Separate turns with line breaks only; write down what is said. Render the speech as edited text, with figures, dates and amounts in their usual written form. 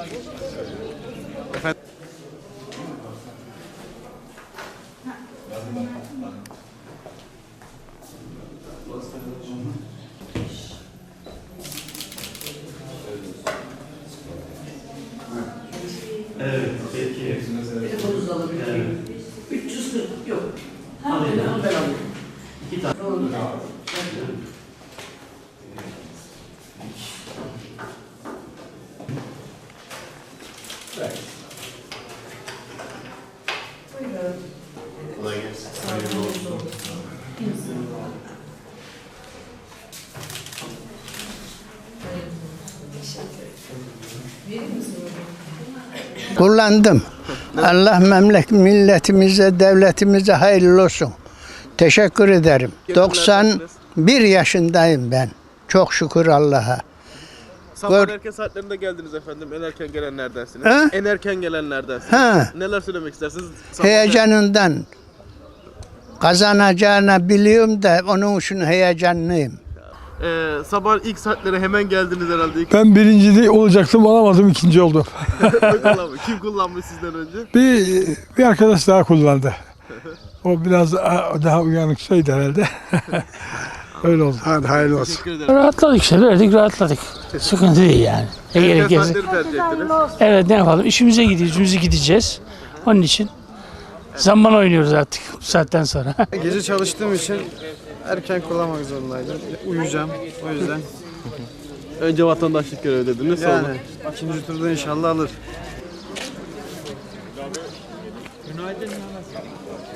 Efendim?
Evet, peki.
Telefonunuzu alabilir miyim? 340 yok. Ha, telefonu ben alayım.
2 tane.
Buyurun.
Kolay gelsin.
Sağ olun. Verir misin?
Kullandım. Allah milletimize, devletimize hayırlı olsun. Teşekkür ederim. 91 yaşındayım ben. Çok şükür Allah'a.
Sabah erken saatlerinde geldiniz efendim. En erken gelenlerdensiniz.
Ha?
En erken gelenlerdensiniz.
Ha.
Neler söylemek istersiniz? Sabah
Heyecanından kazanacağını biliyorum da onun için heyecanlıyım.
Sabah ilk saatlere hemen geldiniz herhalde.
Ben birinci de olacaktım, olamadım, ikinci oldum.
Kim kullanmış sizden önce?
Bir arkadaş daha kullandı. O biraz daha uyanık şeydi herhalde. Öyle oldu. Hadi hayırlı olsun.
Teşekkür ederim.
Rahatladık işte, verdik rahatladık. Sıkıntı değil yani.
Erken saatleri tercih ettiniz.
Evet, ne yapalım, işimize gidiyoruz, işimize gideceğiz. Onun için zaman oynuyoruz artık bu saatten sonra.
Gece çalıştığım için erken kullanmak zorundaydım. Uyuyacağım o yüzden.
Önce vatandaşlık görevi dediniz. Sonra.
Yani ikinci turda inşallah alır.